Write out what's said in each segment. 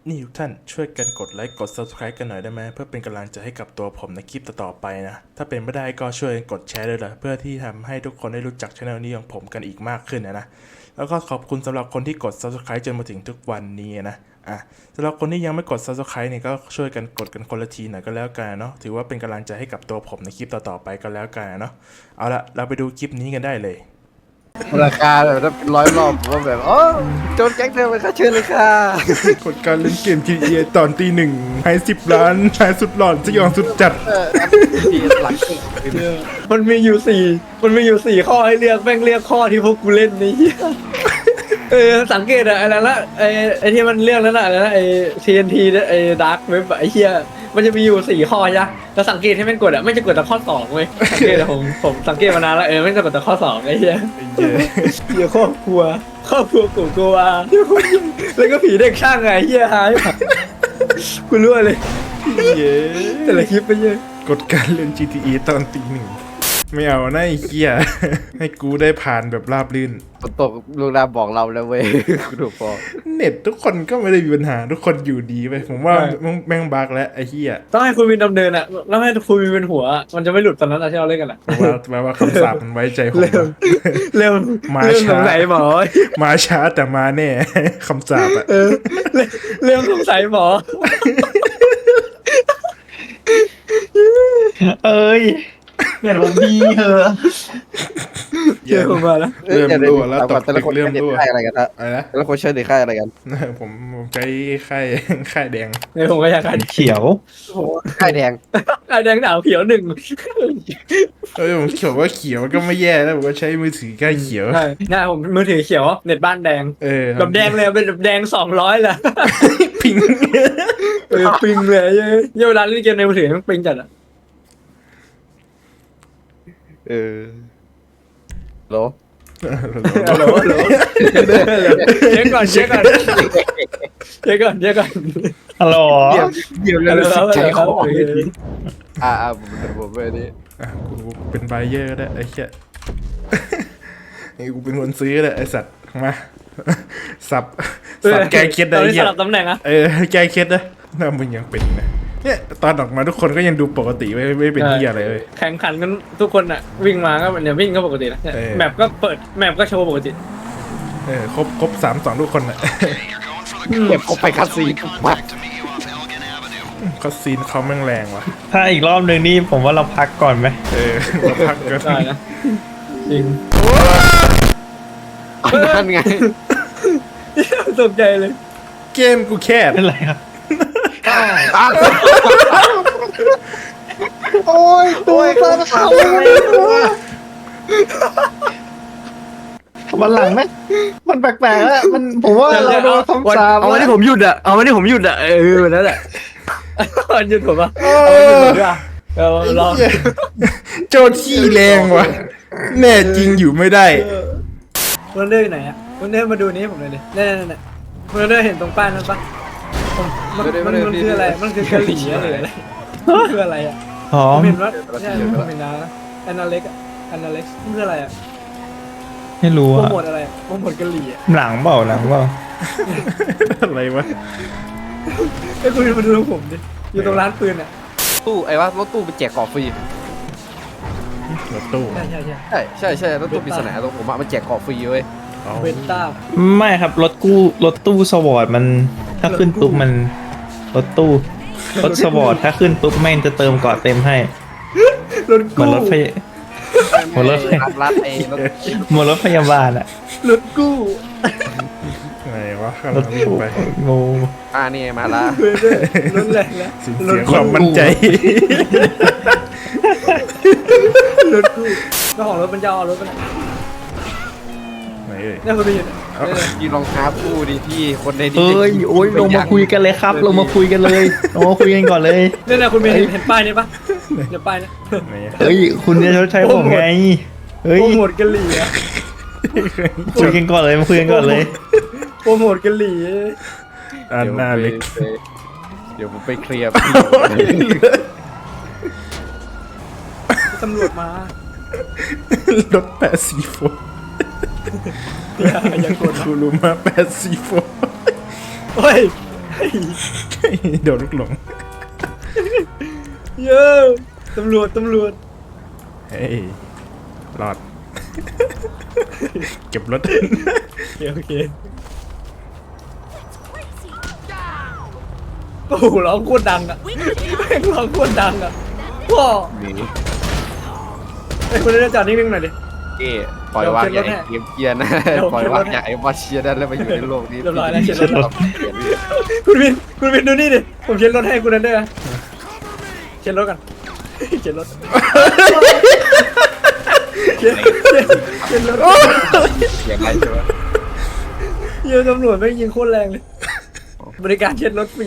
นี่ทุกท่านช่วยกันกดไลค์กด Subscribe กันหน่อยได้ไหมเพื่อเป็นกำลังใจให้กับตัวผมในคลิปต่อๆไปนะถ้าเป็นไม่ได้ก็ช่วยกดแชร์ด้วยล่ะเพื่อที่ทำให้ทุกคนได้รู้จักช่องนี้ของผมกันอีกมากขึ้นนะแล้วก็ขอบคุณสำหรับคนที่กด Subscribe จนมาถึงทุกวันนี้นะสำหรับคนที่ยังไม่กด Subscribe เนี่ยก็ช่วยกันกดกันคนละทีหน่อยก็แล้วกันเนาะถือว่าเป็นกำลังใจให้กับตัวผมในคลิปต่อๆไปก็แล้วกันเนาะเอาละเราไปดูคลิปนี้กันได้เลยราคาแบบถ้าเป็น100 รอบผมก็แบบโอ้โจนแก๊งเธอไปค่ะเชิญเลยค่ะกดการเล่นเกม GTA ตอนตีหนึ่งให้10 ล้านชายสุดหลอนสยองสุดจัดทีหลังมันมีอยู่สี่ข้อให้เลือกแม่งเลือกข้อที่พวกกูเล่นนี่สังเกตอะอะไรละไอที่มันเลือกนั้นอะอะไรนะไอ TNT ไอ Dark Web ไอเหี้ยมันจะมีอยู่4 ข้อใช่ไหมแล้วสังเกตให้มันกดอะไม่จะกดแต่ข้อ2เว้ยสังเกตอะผมสังเกตมานานแล้วไม่จะกดแต่ข้อ2ไอเหี้ยเหี้ยครอบครัวกูกลัวแล้วก็ผีเด็กช่างไงเหี้ยหายกูรู้เลยแต่ละคลิปไปเยอะกดการเล่น GTA ตอนตีหนึ่งไม่เอานะไอ้เหี้ยให้กูได้ผ่านแบบราบรื่นฝนตกลูกน้ำบอกเราแล้วเว้ยกูถูกพอเน็ตทุกคนก็ไม่ได้มีปัญหาทุกคนอยู่ดีไปผมว่าแม่งบักแล้วไอ้เหี้ยต้องให้คุณวินดำเนินอะแล้วให้คุณวินเป็นหัว มันจะไม่หลุดตอนนั้นอะที่เราเล่นกันอะแปลว่าคำสาปมันไว้ใจผมเร็วมาเรื่องสช้างสัยหมอมาช้าแต่มาแน่ คำสาปอะเรื่องสงสัยหมอเอ้ยเปลี่ยนผมดีเหอะเจอผมมาแล้วเริ่มรั่วแล้วตกแต่ตึละกคนเริ่มใช้รั่วค่ายอะไรกันฮะอะไรนะแต่ละคนใช้ในค่ายอะไรกันผมใช้ค่ายแดงในผมก็อยากกันเขียวค่ายแดงไอแดงหนาวเขียว1 ผมเขียวว่าเขียวก็ไม่แย่แล้วผมก็ใช้มือถือค่ายเขียวใช่ง่ายผมมือถือเขียวเน็ตบ้านแดง แบบแดงเลยเป็นแบบแดง200แหละพิงปิงเลยเวลาเล่นเกมในมือถือมันปิงจัดอะโหลฮัลโหลเช็คก่อนฮัลโหลเดี๋ยวฮัลโหลใจคอโอเคผมไปนี่กูเป็นไบเยอร์ก็ได้ไอ้เหี้ยไอ้กูเป็นคนซื้อแหละไอ้สัตว์มาสับแก้เคล็ดได้ตอนไอ้นี้เหี้สยลับตำแหน่งอะแก้เคล็ดนะถ้ามึงยังเป็นนะเนี่ยตอนออกมาทุกคนก็ยังดูปกติไม่เป็นเหี้ยอะไรเลยแข่งขันกันทุกคนอะวิ่งมาก็เนี่ยวิ่งก็ปกตินะแมปก็เปิดแมปก็โชว์ปกติครบ3-2ทุกคนน่ะเก็บเขาไปคัดซีนมาเขาซีนเขาแม่งแรงว่ะถ้าอีกรอบหนึ่งนี่ผมว่าเราพักก่อนไหมเราพักกันได้นะจริงนั่นไงตกใจเลยเกมกูแคบเป็นไรครับโอ้ยตัวเขาวันหลังไหมมันแปลกๆแล้วผมว่าเราโดนซ้ำซ้ำเอาวันที่ผมหยุดอะนั่นแหละวันหยุดผมอะเอาวันหยุดผมด้วยอะลองโจทย์ขี้แรงว่ะแน่จริงอยู่ไม่ได้วันเดอร์ไหนอะวันเดอร์มาดูนี้ผมเลยดินี่วันเดอร์เห็นตรงป้ายนั้นปะมันคืออะไรมันคือกะหรี่หรืออะไรคืออะไรอะพร้อผม มเห็นว่าใช่ผมเห็นนะแอนนาเล็กมันคืออะไรอะไม่รู้โปรอะโมทอะไรโปรโมทกะหรี่อะหลังเปล่าอะไรวะไอ้คุณมาดูผมดิอยู่ตรงร้านปืนอะตู้ไอ้ว่ารถตู้ไปแจกของฟรีรถตู้ใช่รถตู้ปริศนาตรงผมมันแจกของฟรีเว้ยเอาเวนต้าไม่ครับรถตู้สวอร์ดมันถ้าขึ้นปุ๊บมันรถสวอร์ดถ้าขึ้นปุ๊บแม่งจะเติมเกาะเต็มให้รถเหมือนกู้รัดไอ้รถเหมือนรถพยาบาลอะรถกู้ไหนวะข้างหรลัถงวิ่งตู้ไปโง่นี่มาละรถแรงแล้วสูญเสียความมั่นใจรถกู้เจ้าของรถมันจะเอารถไปไหนไหนเอ่ยเนี่ยคุณไปยืนยืนรองเท้าคู่ดิพี่คนในดีเอ้ยโอ้ยลงมาคุยกันเลยครับลงมาคุยกันเลยลงมาคุยกันก่อนเลยเนี่ยคุณเห็นป้ายนี้ปะเดี๋ยวป้ายนี้ไหนอะเฮ้ยคุณจะชดใช้ผมไงเฮ้ยโปรโมทกะหรี่อะคุยกันก่อนเลยมาคุยกันก่อนเลยโปรโมทกะหรี่อันหน้าเล็กเดี๋ยวผมไปเคลียร์ตำรวจมารถ8C4 อย่ากดคูรูมา8C4 เฮ้ยโดนลูกหลงเย้ตำรวจเฮ้ยรอด เก็บรถโอเคโอ้โหร้องโคตรดังอ่ะแม่งร้องโคตรดังอ่ะว้าหนีไอ้คนนี้จอดนิ่งๆหน่อยดิเก้ปล่อยวางอย่างไอ้เกมเกียร์นะเดี๋ยวปล่อยวางอย่างไอ้บอสเชียร์ได้แล้วมาอยู่ในโลกนี้เรียบร้อยแล้วเช็ดรถเปลี่ยนคุณวินดูนี่ดิผมเช็ดรถให้คุณนั่นด้วยนะเช็ดรถกันเช็ดรถเช็ดรถอย่างไรใช่ไหมเยอะตำรวจไม่งยิงโคตรแรงเลยบริการเช็ดรถฟรี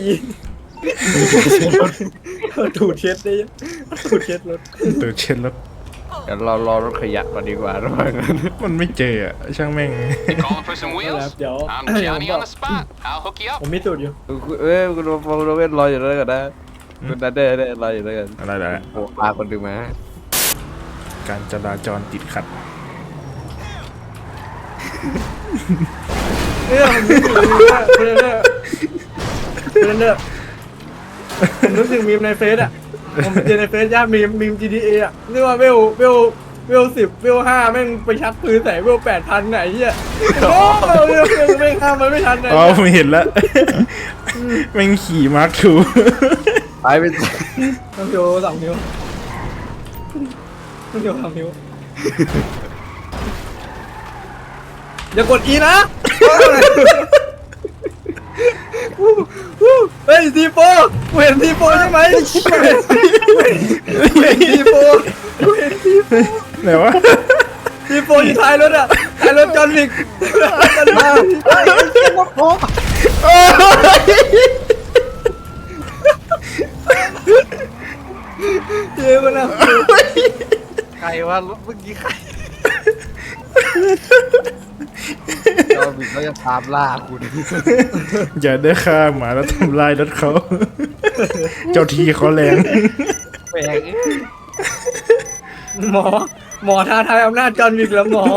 ถูดเช็ดได้ยังถูดเช็ดรถตัวเช็ดรถเดี๋ยวเรารอรถขยะก่อนดีกว่าระหว่างนั้นมันไม่เจออะช่างแม่ง Calling for some wheels? เดี๋ยว I'm Johnny on the spot. I'll hook you ผ up. มมีสูตรอยู่คุณโรเวนรออยู่แล้วกันนะคุณนันเดอร์รออยู่แล้วกันอะไรล่ะโอ้พาคนดึงมาการจราจรติดขัดเนี่ยผมนึกถึงผมนึกถึงมีมในเฟซอ่ะผมเจอในเฟซย่ามีม GTA อ่ะเรียกว่าเวล10เวล5แม่งไปชักปืนใส่เวล8,000ไหนเหี้ยโอ้เวลแม่งห้ามมันไม่ทันไหนอ๋อผมเห็นแล้ว แม่งขี่มาร์คทูตายไปต้องโย2 นิ้วต้องโย2 นิ้วอย่ากด E นะเฮ้ยทีโฟกูเห็นทีโฟใช่ไหมกูเห็นทีโฟไหนวะทีโฟอยู่ท้ายรถอ่ะท้ายรถจอห์นวิกจอห์นวิกเย้มันอ่ะใครวะรถเมื่อกี้ใครเราบิดเขาจะตามล่าคุณอย่าได้ฆ่าหมาแล้วทำลายรถเขา เจ้าทีเขาแรงแปลงหมอท้าทายอำนาจจอห์นวิกแล้วหมอ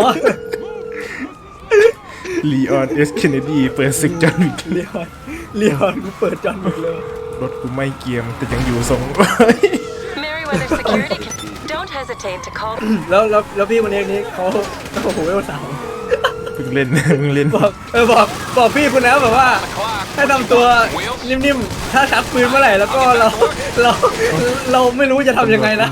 ลีออนเอสเคนเนดีเปิดศึกจอห์นวิกเลียนกูเปิดจอห์นวิกเลยรถกูไม่เกียมแต่ยังอยู่ทรง Merryweather Security. Don't hesitate to call. แล้วพี่คนนี้เขาโอ้โหเวลสาวเพิ่งเล่น เพิ่งเล่นบอกพี่คุณนะแบบว่าให้ทำตัวนิ่มๆถ้าชักปืนเมื่อไหร่แล้วก็เราไม่รู้จะทำยังไงนะ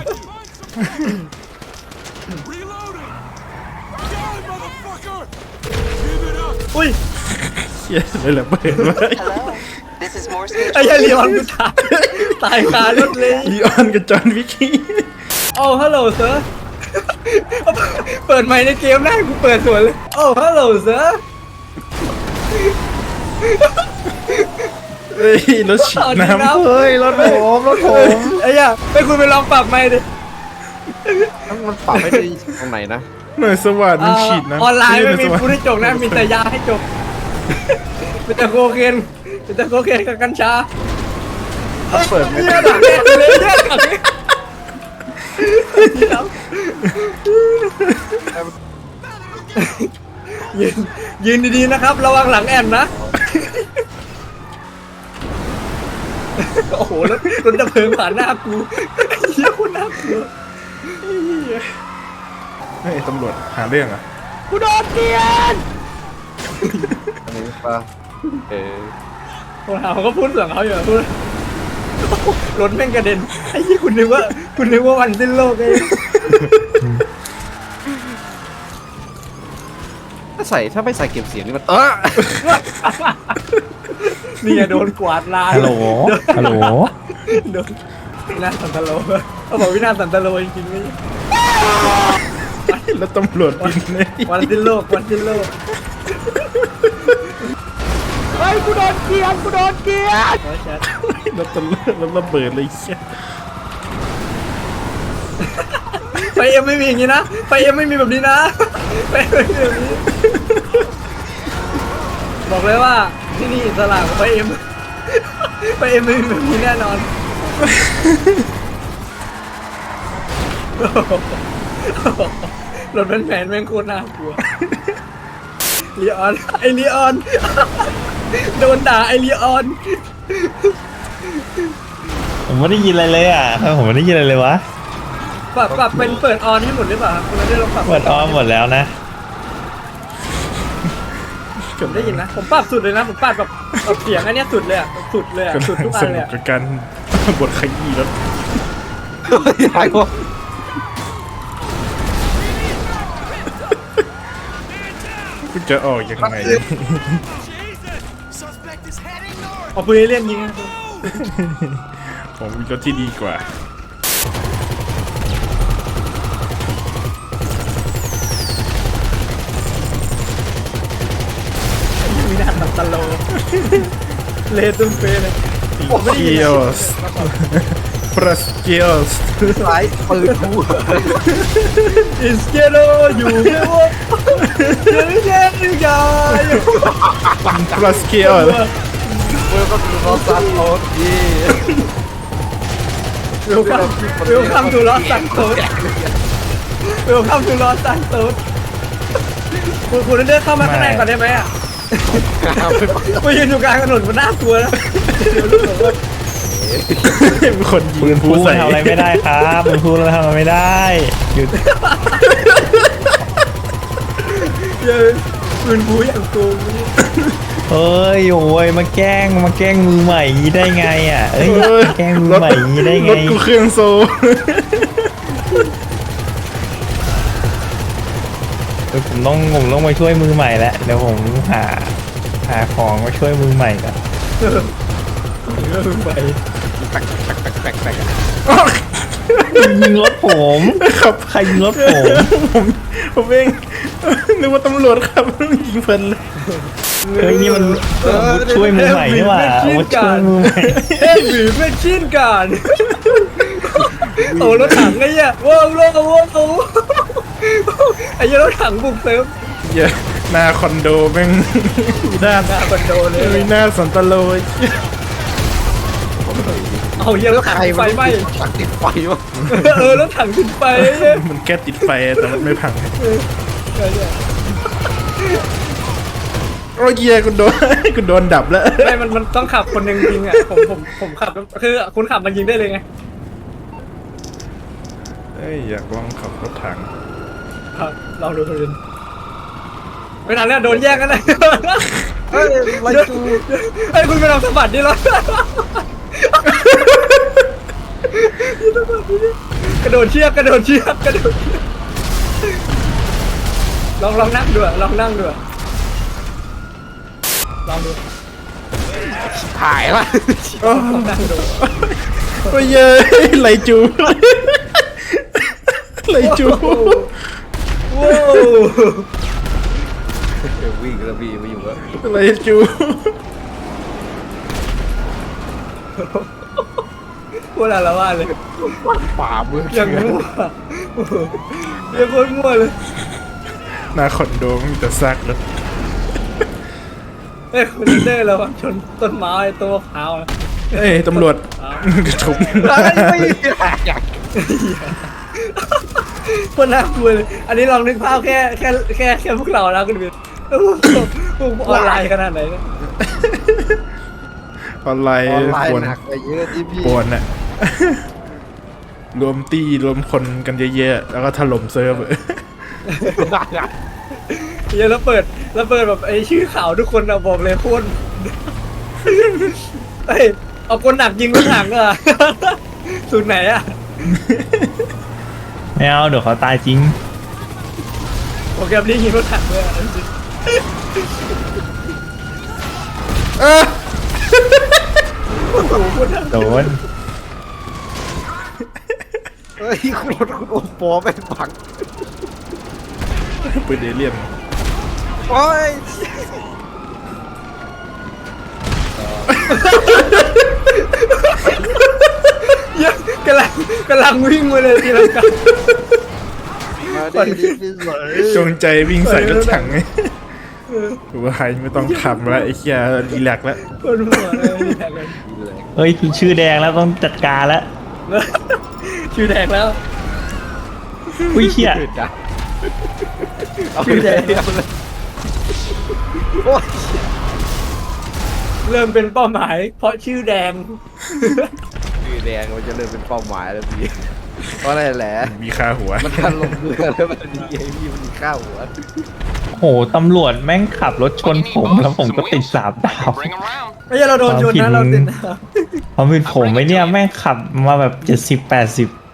อุ้ยเชี่ยเลยระเบิดไว้ Hello. This is Morse ไอ้ Mutual. เหี้ยลีออนกูตายคารถเลยลีออนกับจอห์นวิกกี้โอ้ฮัลโหลเซอร์เปิดไมค์ในเกมได้กูเปิดสวนเลยโอ้ฮัลโหลเซอร์เฮ้ยรถฉีดน้ำเฮ้ยรถผมไอ้เหี้ยไปคุณไปลองปรับไมค์ดิมันปรับไม่ได้ตรงไหนนะหน่วยสวัสดิ์มันฉีดน้ำออนไลน์ไม่มีหน่วยสพูดวัสให้ดิ์จบนะมีแต่ยาให้จบมีแต่โคเคนมีแต่โคเคนกับกัญชาเปิดไม่เหี้ได้ยดักแน่เลยเหี้ยดักแน่ยืนดีๆนะครับ ระวังหลังแอนนะ โอ้โหรถดับเพลิงผ่านหน้ากูเหี้ยคนน่ากลัวเฮ้ยตำรวจหาเรื่องอ่ะกูโดนเกลียนอันนี้ปะเขาก็พูดเสียงเขาอยู่พูดรถแม่งกระเด็นไอ้ยี่คุณนึกว่าวันสิ้นโลกเองถ้าไม่ใส่เก็บเสียงนี่มันนี่ไงโดนกวาดลานฮัลโหล ฮัลโหลโดนวินาศสันตโลเขาบอกวินาศสันตโลจริงๆนี่แล้วตำรวจบินเลยวันสิ้นโลกวันสิ้นโลกเฮ้ยกูโดนเกลียนร้อยแชทแล้วตำรวจแล้วระเบิดเลยเชี่ยไฟเอ็มไม่มีอย่างนี้นะไฟเอ็มไม่มีแบบนี้นะไฟเอ็มไม่มีแบบนี้บอกเลยว่าที่นี่อิสระของไฟเอ็มไม่มีแบบนี้แน่นอนรถแผ่นแม่งโคตรน่ากลัวลีออนไอลีออนโดนด่าไอรีออนผมไม่ได้ยินอะไรเลยอ่ะผมไม่ได้ยินอะไรเลยวะปรับเป็นเปิดออนให้หมดหรือเปล่าคุณไม่ได้ลองปรับเปิดออมหมดแล้วนะผมได้ยินนะผมปรับสุดเลยนะผมปรับแบบเสียงอันเนี้ยสุดเลยอะสุดเลยอะสุดทุกอัสนเลนุยกอะกับการบทขยี้แล้วยายวะคุณจะออกยังไงเอาปืนเล่นยิงนะผมมีรถที่ดีกว่ามีหน้าตัดตะโลเลตุ้มเฟเลยผมไม่ได้ยินเกียสพรัสเกียสสายปืนกูอิสเกโรอยู่ไม่ว่าเดี๋ยวนี้ยังพรัสเกียสเมื่อก็คือเขาซัดโอ๊ตดีเวลคัมทูลอสซันโตสเวลคัมทูลอสซันโตสคุณเดินเข้ามาข้างในก่อนได้ไหมอ่ะมายืนอยู่กลางถนนมันน่ากลัวนะเดี๋ยวรู้สึกว่าเป็นคนยิปืงนพูผู้ดใส่ทำอะไรไม่ได้ครับปืนพูดทำอะไรไม่ได้หยุดเยอะปืนบูอย่างโกงเอ้ยโอ้ยมาแกล้งมือใหม่อย่างนี้ได้ไงอ่ะเอ้ยมาแกล้งมือใหม่อย่างนี้ได้รไงถกูเครื่องโซเดี๋ยวผมต้องมาช่วยมือใหม่แล้วเดี๋ยวผมหาของมาช่วยมือใหม่ก่อนไปยิงรถผมครับใครยิงรถผมผมเองนึกว่าตำรวจครับยิงเพลินเลยเฮ้ยนี่มันช่วยมือใหม่นี่หว่ามาช่วยมือใหม่เอ็มบีเป็นชิ้นกันโอ้รถถังไอ้เนี่ยว้าวไอ้รถถังบุกเซิร์ฟเหี้ยหน้าคอนโดแม่งมีหน้าหน้าคอนโดเลยมีหน้าสันตโลยเอาเหี้ยรถถังใครไฟไหม้ตักติดไฟวะรถถังติดไฟมันแค่ติดไฟแต่มันไม่พังโอ้ยเหี้ยคุณโดน คุณโดนดับแล้วไม่มันต้องขับคนหนึ่งยิงอ่ะผมขับคือคุณขับมันยิงได้เลยไงเอ้ยอยากลองขับรถถังครับเราดูคนไม่ทันแล้วโดนแย่งกันเลยเฮ้ยไรกูไอ้คุณไปลองสะบัดดิเรากระโดดเชือกลองนั่งดูลองนั่งดูลองดูถ่ายละลองนั่งดูโอ้ยเย้ยไหลจูไหลจูว้าววิ่งกระบี่มาอยู่วะไหลจูพูดอะไรว่าเลยป่ามืออย่างมั่วยังโคตรมั่วเลยหน้าคอนโดมีแต่ซากรถเอ้ยคุณเด้เราชนต้นไม้ต้นมะพร้าวเอ้ยตำรวจกระทุบไม่อยากคนน่ากลัวเลยอันนี้ลองนึกภาพแค่พวกเราแล้วคุณบิ๊กพวกออนไลน์ขนาดไหนเนี่ยออนไลน์ออนไลน์ควรหนักไปเยอะที่พี่ปวนอะรวมตีรวมคนกันเยอะๆแล้วก็ถล่มเซิร์ฟเดี๋ยวแล้วเปิดแบบไอ้ชื่อข่าวทุกคนอะบอกเลยโคตรเฮ้ยเอาคนหนักยิงรถถังอะสูตรไหนอะไม่เอาเดี๋ยวเขาตายจริงโปรแกรมนี้ยิงรถถังเลยอะเออโอ้โหคนน่ากโดลัวนเฮ้ยคุณรถคุณโอปอเป็นผังปืนเอเลี่ยนโอ้ยเยอะกำลังวิ่งมาเลยทีละกันมาดีดีสวยจงใจวิ่งใส่รถถังไงหรือว่าใครไม่ต้องทำแล้วไอ้เหี้ยรีแลกซ์แล้วคนหัวเลยนี่แทงเลยเฮ้ยชื่อแดงแล้วต้องจัดการแล้วชื่อแดงแล้วอุ้ยเชี่ยเอาไปเลยโอ้ยเริ่มเป็นเป้าหมาย เพราะชื่อแดงชื่อแดงมันจะเริ่มเป็นเป้าหมายแล้วพี่เพราะอะไรแหละมีค่าหัวมันการลงเรือแล้วมันดีไอ้พี่มันมีข้าวหัวโหตำรวจแม่งขับรถชนผมแล้วผมก็ติด3 ดาว Bring them round. ไม่ใช่เราโดนชนนะเราติดเพราะเป็นผมไอ้เนี่ยแม่งขับมาแบบ70-80